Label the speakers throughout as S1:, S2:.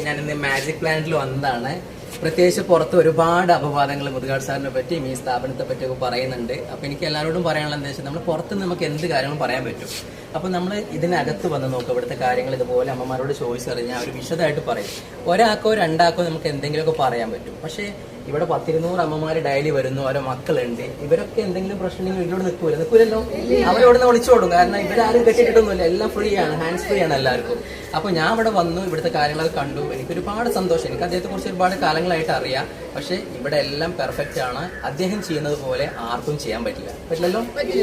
S1: ഞാനിന്ന് മാജിക് പ്ലാനറ്റിൽ വന്നതാണ്. പ്രത്യേകിച്ച് പുറത്ത് ഒരുപാട് അപവാദങ്ങൾ മുതുകാട് സാറിനെ പറ്റിയും ഈ സ്ഥാപനത്തെ പറ്റിയൊക്കെ പറയുന്നുണ്ട്. അപ്പോൾ എനിക്ക് എല്ലാവരോടും പറയാനുള്ള എന്താ വെച്ചാൽ നമ്മൾ പുറത്ത് നമുക്ക് എന്ത് കാര്യങ്ങളും പറയാൻ പറ്റും. അപ്പോൾ നമ്മൾ ഇതിനകത്ത് വന്ന് നോക്കുക, ഇവിടുത്തെ കാര്യങ്ങൾ ഇതുപോലെ അമ്മമാരോട് ചോദിച്ചു അറിഞ്ഞാൽ അവർ വിശദമായിട്ട് പറയും. ഒരാൾക്കോ രണ്ടാൾക്കോ നമുക്ക് എന്തെങ്കിലുമൊക്കെ പറയാൻ പറ്റും. പക്ഷേ ഇവിടെ 100-200 അമ്മമാർ ഡെയിലി വരുന്നു, ഓരോ മക്കളുണ്ട്. ഇവരൊക്കെ എന്തെങ്കിലും പ്രശ്നങ്ങൾ ഇവരോട് നിൽക്കൂലല്ലോ, അവരോട് വിളിച്ചോടും. കാരണം ഇവരാരും കെട്ടിയിട്ടൊന്നുമില്ല, എല്ലാം ഫ്രീ ആണ്, ഹാൻഡ്സ് ഫ്രീ ആണ് എല്ലാവർക്കും. അപ്പോൾ ഞാൻ ഇവിടെ വന്നു, ഇവിടുത്തെ കാര്യങ്ങളൊക്കെ കണ്ടു. എനിക്ക് ഒരുപാട് സന്തോഷം. എനിക്ക് അദ്ദേഹത്തെ കുറിച്ച് ഒരുപാട് കാലങ്ങളായിട്ട് അറിയാം. പക്ഷേ ഇവിടെ എല്ലാം പെർഫെക്റ്റ് ആണ്. അദ്ദേഹം ചെയ്യുന്നത് പോലെ ആർക്കും ചെയ്യാൻ പറ്റില്ലല്ലോ.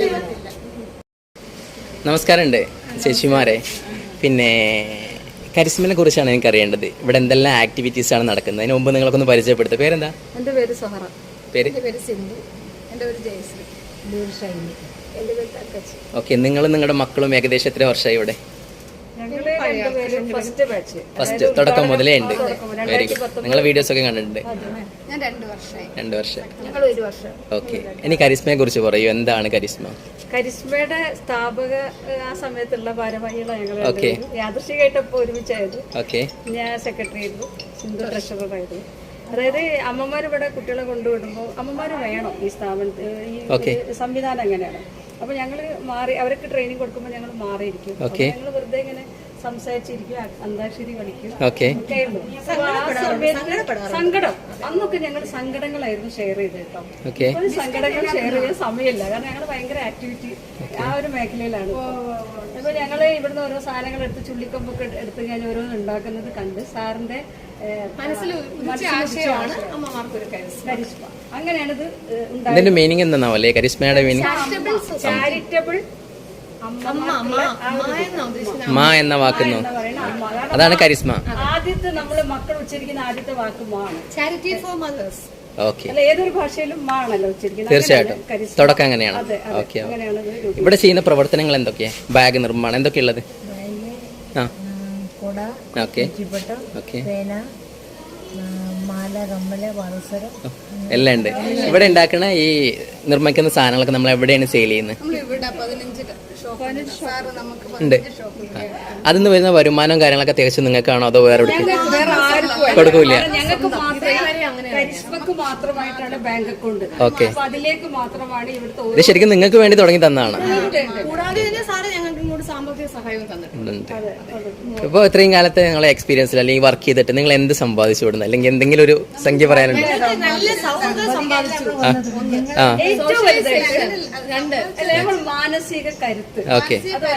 S1: നമസ്കാരമുണ്ട് ചേച്ചിമാരെ. പിന്നെ കരിസ്മയെ കുറിച്ചാണ് എനിക്ക് അറിയേണ്ടത്. ഇവിടെ എന്തെല്ലാം ആക്ടിവിറ്റീസ് ആണ് നടക്കുന്നത്? അതിന് മുമ്പ് നിങ്ങൾക്കൊന്ന് പരിചയപ്പെടുത്തുക. പേരെന്താ?
S2: എൻ്റെ പേര് സഹറ.
S1: എൻ്റെ
S2: പേര് സിന്ധു. എൻ്റെ പേര് ജയശ്രീ. എൻ്റെ പേര് ഷൈനി. എൻ്റെ പേര് തക്കച്ചി.
S1: ഓക്കെ, നിങ്ങളും നിങ്ങളുടെ മക്കളും ഏകദേശം എത്ര വർഷമായി ഇവിടെ? ഫസ്റ്റ് തുടക്കം മുതലേ ഉണ്ട്. Very good. നിങ്ങളെ വീഡിയോസ് ഒക്കെ കണ്ടിട്ടുണ്ട്.
S2: ഞാൻ 2 വർഷമായി.
S1: 2 വർഷം.
S2: ഞങ്ങൾ 1 വർഷം.
S1: ഓക്കെ, ഇനി കരിസ്മയെ കുറിച്ച് പറയൂ. എന്താണ് കരിസ്മ?
S2: കരിസ്മയുടെ സ്ഥാപക ആ സമയത്തുള്ള ഭാരവാഹികളാണ് ഞങ്ങൾ. യാദൃശികമായിട്ടപ്പോൾ ഒരുമിച്ചായത്.
S1: ഓക്കെ,
S2: ഞാൻ സെക്രട്ടറി ആയിരുന്നു, സിന്ധു ട്രഷററായിരുന്നു. അതായത് അമ്മമാർ ഇവിടെ കുട്ടികളെ കൊണ്ടുവിടുമ്പോൾ അമ്മമാർ വേണം ഈ സ്ഥാപനത്തിൽ. ഈ സംവിധാനം അങ്ങനെയാണ്. അപ്പൊ ഞങ്ങള് മാറി, അവർക്ക് ട്രെയിനിങ് കൊടുക്കുമ്പോൾ ഞങ്ങൾ മാറിയിരിക്കും. ഞങ്ങൾ വെറുതെ ഇങ്ങനെ സംസാരിച്ചിരിക്കും, അന്താക്ഷരി കളിക്കും. സങ്കടം അന്നൊക്കെ ഞങ്ങൾ സങ്കടങ്ങളായിരുന്നു ഷെയർ ചെയ്ത് കേട്ടോ. ഒരു സങ്കടങ്ങൾ ഷെയർ ചെയ്യാൻ സമയമില്ല, കാരണം ഞങ്ങൾ ഭയങ്കര ആക്ടിവിറ്റി ആ ഒരു മേഖലയിലാണ്. അപ്പൊ ഞങ്ങള് ഇവിടുന്ന് ഓരോ സാധനങ്ങൾ എടുത്ത് ചുള്ളിക്കൊമ്പൊക്കെ എടുത്ത് ഞാൻ ഓരോന്ന് ഉണ്ടാക്കുന്നത് കണ്ട് സാറിന്റെ കരിസ്മ അങ്ങനെയാണ് ഇത് ഉണ്ടായത്.
S1: മീനിങ് എന്താണാവല്ലേ കരിസ്മയുടെ മീനിങ്?
S2: ചാരിറ്റബിൾ
S1: മാ എന്ന വാക്കുന്നു, അതാണ് കരിസ്മ.
S2: ആദ്യത്തെ നമ്മള് മക്കൾ ഉച്ചരിക്കുന്ന ആദ്യത്തെ വാക്ക് മാ ആണ്. Charity four mothers.
S1: ഓക്കെ,
S2: അല്ല ഏതൊരു ഭാഷയിലും മാ ആണല്ലോ ഉച്ചരിക്കുന്നത്.
S1: തീർച്ചയായിട്ടും തുടക്കം അങ്ങനെയാണ്. ഓക്കെ, ഇവിടെ ചെയ്യുന്ന പ്രവർത്തനങ്ങൾ എന്തൊക്കെയാ? ബാഗ് നിർമ്മാണം എന്തൊക്കെയുള്ളത്? ഓക്കെ ഓക്കെ, എല്ലാം ഉണ്ട്. ഇവിടെ ഉണ്ടാക്കണ ഈ നിർമ്മിക്കുന്ന സാധനങ്ങളൊക്കെ നമ്മൾ എവിടെയാണ് സെയിൽ ചെയ്യുന്നത്? ഉണ്ട്. അതിന്ന് വരുന്ന വരുമാനവും കാര്യങ്ങളൊക്കെ തികച്ചും നിങ്ങൾക്കാണോ അതോ വേറെ കൊടുക്കൂല? ഓക്കെ, ഇത് ശരിക്കും നിങ്ങൾക്ക് വേണ്ടി തുടങ്ങി തന്നതാണ്. ഇപ്പൊ ഇത്രയും കാലത്തെ നിങ്ങളെ എക്സ്പീരിയൻസിൽ അല്ലെങ്കിൽ വർക്ക് ചെയ്തിട്ട് നിങ്ങൾ എന്ത് സമ്പാദിച്ചു വിടുന്നത്, അല്ലെങ്കിൽ എന്തെങ്കിലും ഒരു സംഖ്യ പറയാനുണ്ട്?
S2: മാനസിക കരുത്ത്.
S1: ഓക്കെ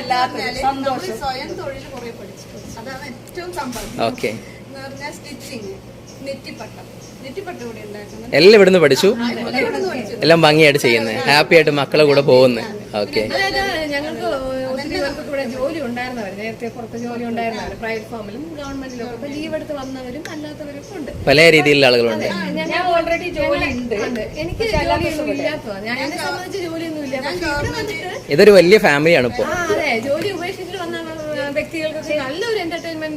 S1: ഓക്കെ, എല്ലാം ഇവിടുന്ന് പഠിച്ചു, എല്ലാം ഭംഗിയായിട്ട് ചെയ്യുന്നത്, ഹാപ്പി ആയിട്ട് മക്കളെ കൂടെ പോകുന്നത്. ഓക്കെ,
S3: ഞങ്ങൾക്ക് ഒത്തിരി പേർക്കൊക്കെ ഇവിടെ ജോലി ഉണ്ടായിരുന്നവർ, നേരത്തെ പുറത്ത് ജോലി ഉണ്ടായിരുന്നവർ, പ്രൈവറ്റ് ഫാമിലും ഗവൺമെന്റിലും ഒക്കെ ലീവ് എടുത്ത് വന്നവരും അല്ലാത്തവരും ഉണ്ട്.
S1: പല രീതിയിലുള്ള ആളുകളുണ്ട്.
S2: ഞാൻ ഓൾറെഡി ജോലി ഉണ്ട്,
S3: എനിക്ക് ജോലിയൊന്നും ഇല്ലാത്തതാണ്. ഞാൻ എന്നെ സംബന്ധിച്ച് ജോലിയൊന്നും ഇല്ല. പക്ഷെ ഇവിടെ വന്നിട്ട്
S1: ഇതൊരു വലിയ ഫാമിലിയാണ് ഇപ്പൊ.
S3: അതെ, ജോലി ഉപേക്ഷിച്ചിട്ട് വന്ന വ്യക്തികൾക്കൊക്കെ നല്ലൊരു എന്റർടൈൻമെന്റ്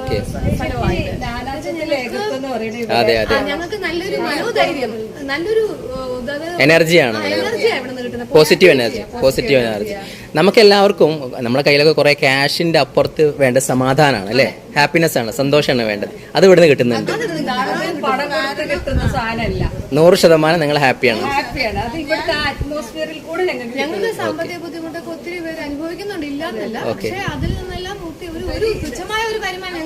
S3: ഞങ്ങൾക്ക് നല്ലൊരു മനോധൈര്യം, നല്ലൊരു
S1: എനർജിയാണ്, പോസിറ്റീവ് എനർജി. നമുക്ക് എല്ലാവർക്കും നമ്മുടെ കയ്യിലൊക്കെ കുറെ ക്യാഷിന്റെ അപ്പുറത്ത് വേണ്ട സമാധാനമാണ് അല്ലെ, ഹാപ്പിനെസ് ആണ്, സന്തോഷമാണ് വേണ്ടത്. അത് ഇവിടുന്ന് കിട്ടുന്നുണ്ട്. 100% നിങ്ങൾ ഹാപ്പിയാണ്.
S3: ഞങ്ങൾക്ക് സാമ്പത്തിക ബുദ്ധിമുട്ടൊക്കെ ഒത്തിരി പേര് അനുഭവിക്കുന്നുണ്ട്, ഇല്ലാന്നല്ല. പക്ഷെ അതിൽ നിന്നെല്ലാം ഒരു തുച്ഛമായ ഒരു വരുമാനം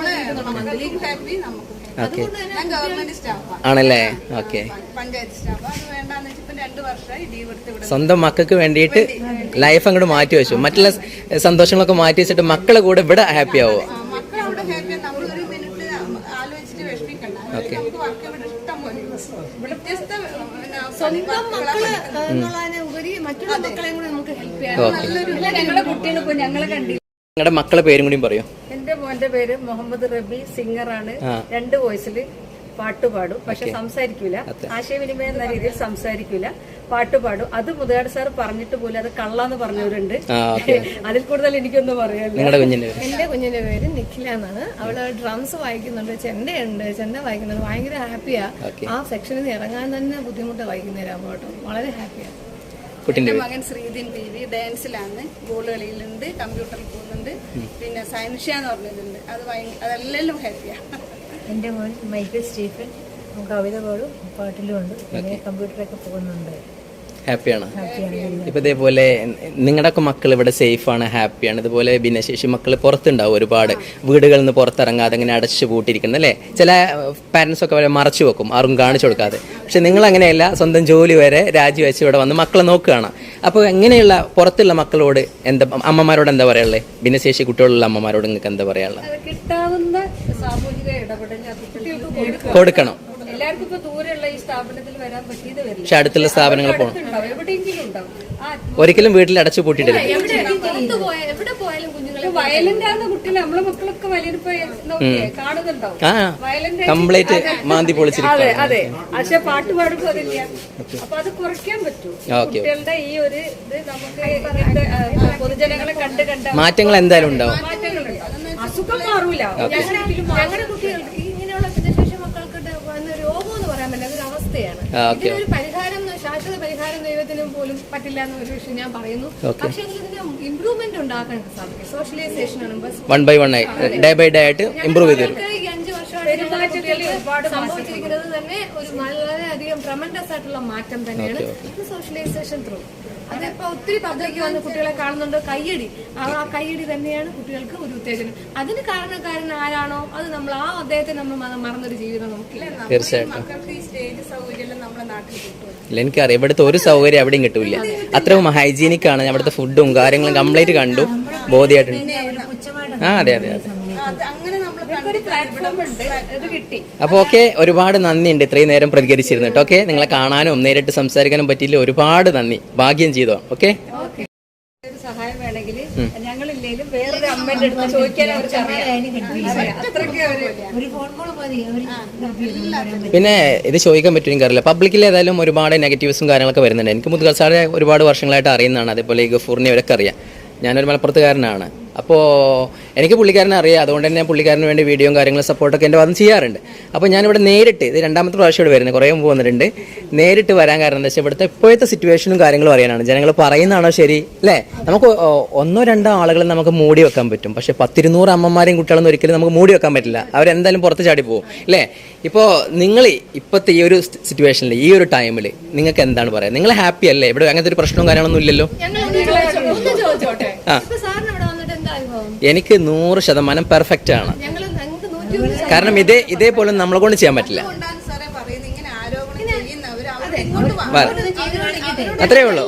S1: ആണല്ലേ. ഓക്കെ, സ്വന്തം മക്കൾക്ക് വേണ്ടിയിട്ട് ലൈഫ് അങ്ങോട്ട് മാറ്റി വെച്ചു, മറ്റുള്ള സന്തോഷങ്ങളൊക്കെ മാറ്റി വെച്ചിട്ട് മക്കളെ കൂടെ ഇവിടെ ഹാപ്പി ആവുക. ഓക്കെ,
S3: സ്വന്തം മക്കള് എന്നുള്ളതിനെ ഉപരി മറ്റുള്ള മക്കളെയും കൂടി നമുക്ക് ഹെൽപ്പ് ചെയ്യാം.
S1: നിങ്ങളുടെ മക്കളെ പേരും കൂടി പറയൂ.
S2: എന്റെ മോന്റെ പേര് മുഹമ്മദ് റബി, സിംഗറാണ്. 2 വോയിസില് പാട്ടുപാടും, പക്ഷെ സംസാരിക്കൂല. ആശയവിനിമയം എന്ന രീതിയിൽ സംസാരിക്കൂല, പാട്ടുപാടും. അത് മുതുകാട് സാർ പറഞ്ഞിട്ട് പോലും അത് കള്ളാന്ന് പറഞ്ഞവരുണ്ട്. അതിൽ കൂടുതൽ എനിക്കൊന്നും പറയാനില്ല.
S3: എന്റെ കുഞ്ഞിന്റെ പേര് നിഖില എന്നാണ്. അവള് ഡ്രംസ് വായിക്കുന്നുണ്ട്, ചെണ്ടയുണ്ട്, ചെണ്ട വായിക്കുന്നുണ്ട്. ഭയങ്കര ഹാപ്പിയാ. ആ സെക്ഷനിൽ നിന്ന് ഇറങ്ങാൻ തന്നെ ബുദ്ധിമുട്ട് വായിക്കുന്നേരാകുമ്പോ കേട്ടോ, വളരെ ഹാപ്പിയാണ്.
S4: എന്റെ മകൻ ശ്രീദിൻ പി വി ഡാൻസിലാണ്, ബോൾ കളിയിലുണ്ട്, കമ്പ്യൂട്ടറിൽ പോകുന്നുണ്ട്. പിന്നെ സൈൻഷ്യ എന്ന് പറഞ്ഞിട്ടുണ്ട്. അതെല്ലാം ഹാപ്പിയാണ്.
S5: എൻ്റെ മോൻ മൈക്കിൾ സ്റ്റീഫൻ കവിത പാടും പാട്ടിലും ഉണ്ട് പിന്നെ കമ്പ്യൂട്ടറൊക്കെ പോകുന്നുണ്ട്.
S1: ഹാപ്പിയാണ്. ഇപ്പൊ ഇതേപോലെ നിങ്ങളുടെയൊക്കെ മക്കൾ ഇവിടെ സേഫാണ്, ഹാപ്പിയാണ്. ഇതുപോലെ ഭിന്നശേഷി മക്കൾ പുറത്തുണ്ടാവും, ഒരുപാട് വീടുകളിൽ നിന്ന് പുറത്തിറങ്ങാതെ ഇങ്ങനെ അടച്ചു പൂട്ടിയിരിക്കുന്നത് അല്ലേ. ചില പാരൻസ് ഒക്കെ വരെ മറച്ചു വെക്കും, ആർക്കും കാണിച്ചു കൊടുക്കാതെ. പക്ഷെ നിങ്ങൾ അങ്ങനെയല്ല, സ്വന്തം ജോലി വരെ രാജിവെച്ച് ഇവിടെ വന്ന് മക്കളെ നോക്കുകയാണ്. അപ്പോൾ എങ്ങനെയുള്ള പുറത്തുള്ള മക്കളോട് എന്താ, അമ്മമാരോട് എന്താ പറയാനുള്ളത്? ഭിന്നശേഷി കുട്ടികളുള്ള അമ്മമാരോട് നിങ്ങൾക്ക് എന്താ പറയാനുള്ളത്?
S2: കിട്ടാവുന്ന സാമൂഹിക ഇടപെടൽ കുട്ടികൾക്ക്
S1: കൊടുക്കണം.
S2: എല്ലാവർക്കും ഇപ്പൊ ദൂരെയുള്ള ഈ സ്ഥാപനത്തിൽ വരാൻ പറ്റിയത് വരില്ല.
S1: പക്ഷെ അടുത്തുള്ള സ്ഥാപനങ്ങൾ പോകണം.
S2: എവിടെയെങ്കിലും ഉണ്ടാവും.
S1: ഒരിക്കലും വീട്ടിൽ അടച്ചു പൂട്ടിയിട്ടില്ല.
S3: എവിടെ പോയാലും കുഞ്ഞുങ്ങളെ
S2: വയലന്റ് ആകുന്ന കുട്ടികൾ നമ്മളെ മക്കളൊക്കെ വലിയപ്പോ നോക്കിയേ കാണുന്നുണ്ടാവും.
S1: കംപ്ലീറ്റ് മാന്തി പൊളിച്ചിരിക്കും.
S2: അതെ അതെ. പക്ഷെ പാട്ട് പാടുമ്പോ അതില്ല. അപ്പൊ അത് കുറയ്ക്കാൻ പറ്റും. കുട്ടികളുടെ ഈ ഒരു ഇത് നമുക്ക് പൊതുജനങ്ങളെ കണ്ട്
S1: മാറ്റങ്ങൾ എന്തായാലും ഉണ്ടാവും.
S2: മാറ്റങ്ങളുണ്ടാവും. അസുഖം മാറൂല.
S3: ഞങ്ങളുടെ കുട്ടികൾക്ക് ഇങ്ങനെയുള്ള ഭിന്നശേഷി മക്കൾക്ക് വന്ന രോഗം എന്ന് പറയാൻ പറ്റില്ല, അതൊരു അവസ്ഥയാണ്. ഇതിനൊരു പരിഹാരം, ശാശ്വത പരിഹാരം ദൈവത്തിനും പോലും പറ്റില്ല എന്നൊരു വിഷയം ഞാൻ പറയുന്നു. പക്ഷെ ഇതിന് ഇംപ്രൂവ്മെന്റ് ഉണ്ടാക്കാൻ സാധിക്കും. സോഷ്യലൈസേഷൻ ആണ്
S1: വൺ ബൈ വൺ ആയി ഡേ ബൈ ഡേ ആയിട്ട് ഇംപ്രൂവ് ചെയ്തു.
S3: ഈ 5 വർഷമായിട്ട് സംഭവിച്ചിരിക്കുന്നത് തന്നെ ഒരു വളരെയധികം ട്രമൻഡസ് ആയിട്ടുള്ള മാറ്റം തന്നെയാണ്. ഇത് സോഷ്യലൈസേഷൻ ത്രൂ. അതിപ്പോ ഒത്തിരി പബ്ലിക് വന്ന് കുട്ടികളെ കാണുന്നുണ്ട്, കയ്യടി. ആ കയ്യടി തന്നെയാണ് കുട്ടികൾക്ക് ഒരു ഉത്തേജനം. അതിന് കാരണക്കാരൻ ആരാണോ അത് നമ്മൾ അദ്ദേഹത്തെ നമ്മൾ മറന്നൊരു ജീവിതം നമുക്കില്ല.
S1: തീർച്ചയായിട്ടും
S4: മക്കൾക്ക് ഈ സ്റ്റേജ് സൗകര്യം നമ്മുടെ നാട്ടിൽ കിട്ടും.
S1: ഇല്ല, എനിക്കറിയാം ഇവിടുത്തെ ഒരു സൗകര്യം എവിടെയും കിട്ടൂല. അത്രയും ഹൈജീനിക് ആണ്. അവിടുത്തെ ഫുഡും കാര്യങ്ങളും കംപ്ലീറ്റ് കണ്ടു, ബോധ്യമായിട്ടുണ്ട്. അതെ അതെ അതെ.
S4: അങ്ങനെ നമ്മൾ
S1: അപ്പോൾ ഓക്കെ, ഒരുപാട് നന്ദിയുണ്ട് ഇത്രയും നേരം പ്രതികരിച്ചിരുന്നിട്ട്. ഓക്കെ, നിങ്ങളെ കാണാനും നേരിട്ട് സംസാരിക്കാനും പറ്റിയില്ല, ഒരുപാട് നന്ദി. ഭാഗ്യം ചെയ്തോ. ഓക്കെ,
S2: സഹായം വേണമെങ്കിൽ ഞങ്ങളില്ലേലും വേറൊരു അമ്മയുടെ അടുത്ത് ചോദിക്കാൻ അവർക്ക്
S1: പിന്നെ ഇത് ചോദിക്കാൻ പറ്റും എനിക്കറിയില്ല. പബ്ലിക്കിൽ ഏതായാലും ഒരുപാട് നെഗറ്റീവ്സും കാര്യങ്ങളൊക്കെ വരുന്നുണ്ട്. എനിക്ക് മുതുകാൽ സാറെ ഒരുപാട് വർഷങ്ങളായിട്ട് അറിയുന്നതാണ്. അതേപോലെ ഈ ഗഫൂറിനെ അവരൊക്കെ അറിയാം. ഞാനൊരു മലപ്പുറത്തുകാരനാണ്. അപ്പോൾ എനിക്ക് പുള്ളിക്കാരനെ അറിയാം. അതുകൊണ്ട് തന്നെ പുള്ളിക്കാരന് വേണ്ടി വീഡിയോയും കാര്യങ്ങളും സപ്പോർട്ടൊക്കെ എൻ്റെ ഭാഗം ചെയ്യാറുണ്ട്. അപ്പോൾ ഞാനിവിടെ നേരിട്ട്, ഇത് രണ്ടാമത്തെ പ്രാവശ്യം ഇവിടെ വരുന്നത്, കുറേ മുമ്പ് വന്നിട്ടുണ്ട്. നേരിട്ട് വരാൻ കാരണം എന്താ വെച്ചാൽ ഇവിടുത്തെ ഇപ്പോഴത്തെ സിറ്റുവേഷനും കാര്യങ്ങളും അറിയാനാണ്. ജനങ്ങൾ പറയുന്നതാണോ ശരി അല്ലേ? നമുക്ക് 1-2 ആളുകളെ നമുക്ക് മൂടി വെക്കാൻ പറ്റും. പക്ഷേ 10-200 അമ്മമാരെയും കുട്ടികളൊന്നും ഒരിക്കലും നമുക്ക് മൂടി വെക്കാൻ പറ്റില്ല. അവരെന്തായാലും പുറത്ത് ചാടി പോകും അല്ലേ? ഇപ്പോൾ നിങ്ങൾ ഇപ്പോഴത്തെ ഈ ഒരു സിറ്റുവേഷനിൽ, ഈ ഒരു ടൈമിൽ നിങ്ങൾക്ക് എന്താണ് പറയുക? നിങ്ങൾ ഹാപ്പി അല്ലേ? ഇവിടെ അങ്ങനത്തെ ഒരു പ്രശ്നവും കാര്യങ്ങളൊന്നും ഇല്ലല്ലോ. എനിക്ക് 100% പെർഫെക്റ്റ് ആണ്. കാരണം ഇതേപോലെ നമ്മളെ കൊണ്ട് ചെയ്യാൻ പറ്റില്ല. അത്രേ ഉള്ളൂ.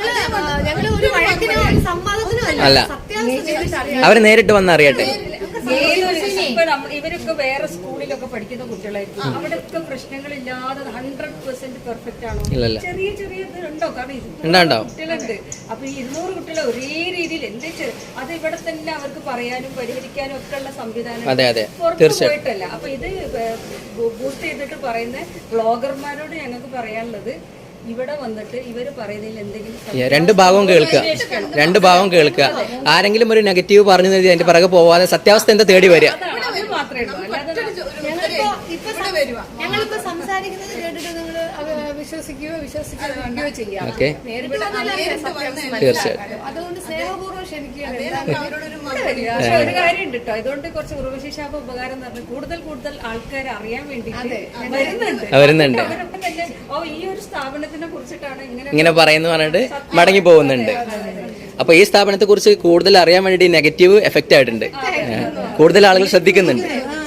S1: അല്ല, അവര് നേരിട്ട് വന്ന് അറിയട്ടെ.
S2: ഇവരൊക്കെ വേറെ സ്കൂളിലൊക്കെ പഠിക്കുന്ന കുട്ടികളായിരിക്കും. അവിടെയൊക്കെ പ്രശ്നങ്ങളില്ലാതെ 100% പെർഫെക്റ്റ് ആണോ? ചെറിയ ചെറിയ ഉണ്ടോ? കാരണം കുട്ടികളുണ്ട്. അപ്പൊ 200 കുട്ടികളെ ഒരേ രീതിയിൽ എന്ത് അത് ഇവിടെ തന്നെ അവർക്ക് പറയാനും പരിഹരിക്കാനും ഒക്കെ ഉള്ള സംവിധാനം പുറത്ത് പോയിട്ടല്ല. അപ്പൊ ഇത് ബൂസ്റ്റ് ചെയ്തിട്ട് പറയുന്ന ബ്ലോഗർമാരോട് ഞങ്ങൾക്ക് പറയാനുള്ളത്, ഇവിടെ വന്നിട്ട് ഇവര് പറയുന്നതിൽ എന്തെങ്കിലും
S1: രണ്ട് ഭാഗവും കേൾക്കുക. ആരെങ്കിലും ഒരു നെഗറ്റീവ് പറഞ്ഞു അതിന്റെ പിറകെ പോവാതെ സത്യാവസ്ഥ എന്താ തേടി വരിക.
S3: ഞങ്ങളിപ്പോ സംസാരിക്കുന്നത് കേട്ടിട്ട് നിങ്ങൾ വിശ്വസിക്കുകയോ ചെയ്യാം.
S1: തീർച്ചയായിട്ടും.
S3: അതുകൊണ്ട് സ്നേഹപൂർവ്വം ക്ഷണിക്കുക.
S2: ഒരു കാര്യം ഉണ്ട് കേട്ടോ, ഇതുകൊണ്ട് കുറച്ച് ഉറവശേഷാപ ഉപകാരം എന്ന് പറഞ്ഞാൽ കൂടുതൽ ആൾക്കാർ അറിയാൻ വേണ്ടി വരുന്നുണ്ട്. ഈ ഒരു സ്ഥാപനത്തിനെ കുറിച്ചിട്ടാണ് ഇങ്ങനെ
S1: പറയുന്നു പറഞ്ഞിട്ട് മടങ്ങി പോകുന്നുണ്ട്. അപ്പൊ ഈ സ്ഥാപനത്തെ കുറിച്ച് കൂടുതൽ അറിയാൻ വേണ്ടി നെഗറ്റീവ് എഫക്റ്റ് ആയിട്ടുണ്ട്. കൂടുതൽ ആളുകൾ ശ്രദ്ധിക്കുന്നുണ്ട്.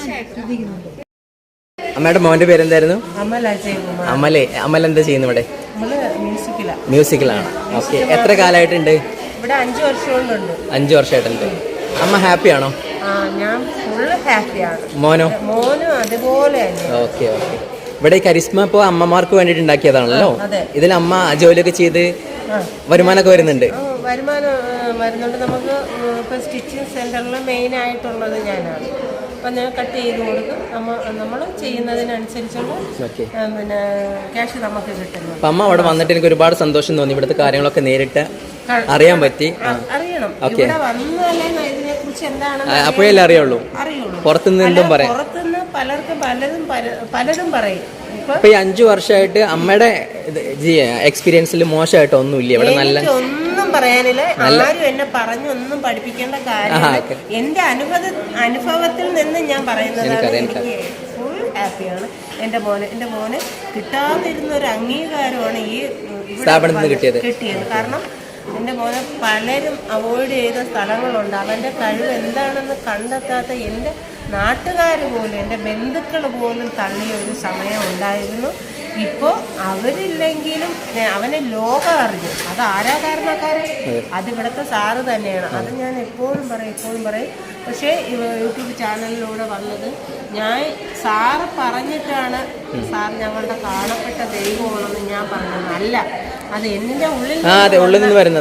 S1: അമ്മയുടെ മോന്റെ പേരെന്തായിരുന്നു? അമൽ എന്താ ചെയ്യുന്നു ഇവിടെ? മ്യൂസിക്കിലാണ്. ഓക്കെ, എത്ര കാലമായിട്ടുണ്ട്
S5: ഇവിടെ? 5 വർഷമുണ്ട്.
S1: 5 വർഷമായിട്ടുണ്ട്. അമ്മ ഹാപ്പിയാണോ?
S5: ഞാൻ ഫുള്ള് ഹാപ്പിയാണ്.
S1: മോനും
S5: അതുപോലെ.
S1: Okay okay. ഇവിടെ ഈ കരിസ്മ ഇപ്പോൾ അമ്മമാർക്ക് വേണ്ടിയിട്ട് ഉണ്ടാക്കിയതാണല്ലോ. ഇതിൽ അമ്മ ജോലിയൊക്കെ ചെയ്ത് വരുമാനമൊക്കെ വരുന്നുണ്ട്.
S5: വരുമാനം വരുന്നുണ്ട്. നമുക്ക് ഇപ്പം സ്റ്റിച്ചിങ് സെന്ററിൽ മെയിൻ ആയിട്ടുള്ളത് ഞാനാണ്. അപ്പം ഞാൻ കട്ട് ചെയ്ത് കൊടുക്കും. നമ്മൾ ചെയ്യുന്നതിനനുസരിച്ചുള്ള പിന്നെ ക്യാഷ് നമുക്ക് കിട്ടുന്നു.
S1: അപ്പം അമ്മ അവിടെ വന്നിട്ട് എനിക്ക് ഒരുപാട് സന്തോഷം തോന്നി. ഇവിടുത്തെ കാര്യങ്ങളൊക്കെ നേരിട്ട് അറിയാൻ പറ്റി.
S5: അറിയണം, ഇവിടെ വന്നാലേ ഇതിനെ കുറിച്ച് എന്താണെന്ന്
S1: അപ്പോഴല്ലേ അറിയുള്ളൂ. പുറത്തുനിന്ന് എന്തും പറയാം.
S5: പുറത്തുനിന്ന് പലതും പറയും.
S1: ഇപ്പൊ ഈ 5 വർഷമായിട്ട് അമ്മയുടെ എക്സ്പീരിയൻസിൽ മോശമായിട്ട് ഒന്നുമില്ല ഇവിടെ? നല്ല
S5: ഒന്നും പറയാനില്ല. ആരും എന്നെ ഒന്നും പഠിപ്പിക്കേണ്ട കാര്യം എന്റെ അനുഭവത്തിൽ നിന്ന് ഞാൻ പറയുന്നത്. ഫുൾ ഹാപ്പിയാണ്. എൻ്റെ മോന് കിട്ടാതിരുന്ന ഒരു അംഗീകാരമാണ് ഈ
S1: സ്ഥാപനത്തിൽ നിന്ന്
S5: കിട്ടിയത്. കാരണം എൻ്റെ മോനെ പലരും അവോയ്ഡ് ചെയ്ത സ്ഥലങ്ങളുണ്ട്. അവൻ്റെ കഴിവ് എന്താണെന്ന് കണ്ടെത്താത്ത എൻ്റെ നാട്ടുകാർ പോലും, എൻ്റെ ബന്ധുക്കൾ പോലും തള്ളിയ ഒരു സമയം ഉണ്ടായിരുന്നു. ഇപ്പോൾ അവരില്ലെങ്കിലും അവനെ ലോകം അറിഞ്ഞു. അത് ആരാ കാരണക്കാരൻ? അതിവിടുത്തെ സാറ് തന്നെയാണ്. അത് ഞാൻ എപ്പോഴും പറയും. പക്ഷേ യൂട്യൂബ് ചാനലിലൂടെ വന്നത് ഞാൻ സാറ് പറഞ്ഞിട്ടാണ് സാർ ഞങ്ങളുടെ കാണപ്പെട്ട ദൈവമാണെന്ന് ഞാൻ പറഞ്ഞത്. അല്ല, അത് എൻ്റെ ഉള്ളിൽ
S1: നിന്ന് വരുന്നത്.